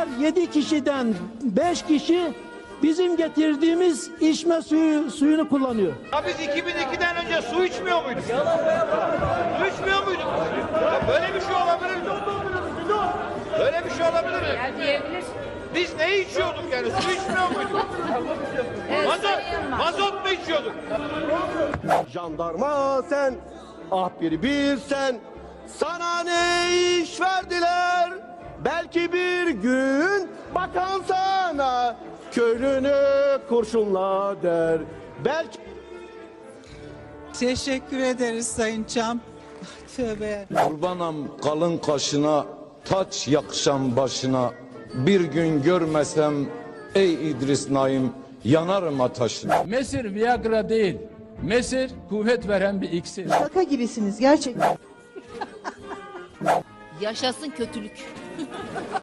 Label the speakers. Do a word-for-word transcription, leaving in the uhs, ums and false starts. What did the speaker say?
Speaker 1: her yedi kişiden beş kişi bizim getirdiğimiz içme suyu suyunu kullanıyor.
Speaker 2: Ya biz iki bin ikiden önce su içmiyor muyduk? Su içmiyor muyduk? Ya böyle bir şey olabilir mi? Böyle bir şey olabilir mi?
Speaker 3: Ya diyebilir.
Speaker 2: Biz ne içiyorduk yani? Su içmiyor muyduk?
Speaker 3: Evet,
Speaker 2: Mazot,
Speaker 3: Sayın Yılmaz.
Speaker 2: mazot mu içiyorduk?
Speaker 4: Jandarma sen, ah bir bilsen, sana ne iş verdiler? Belki bir gün bakan sana köylünü kurşunla der. Belki...
Speaker 5: Teşekkür ederiz Sayın Çam. Tövbe.
Speaker 6: Kurbanam kalın kaşına, taç yakışan başına. Bir gün görmesem ey İdris Naim yanarım ateşine.
Speaker 7: Mesir Viagra değil. Mesir kuvvet veren bir iksir.
Speaker 8: Şaka gibisiniz gerçekten.
Speaker 3: Yaşasın kötülük.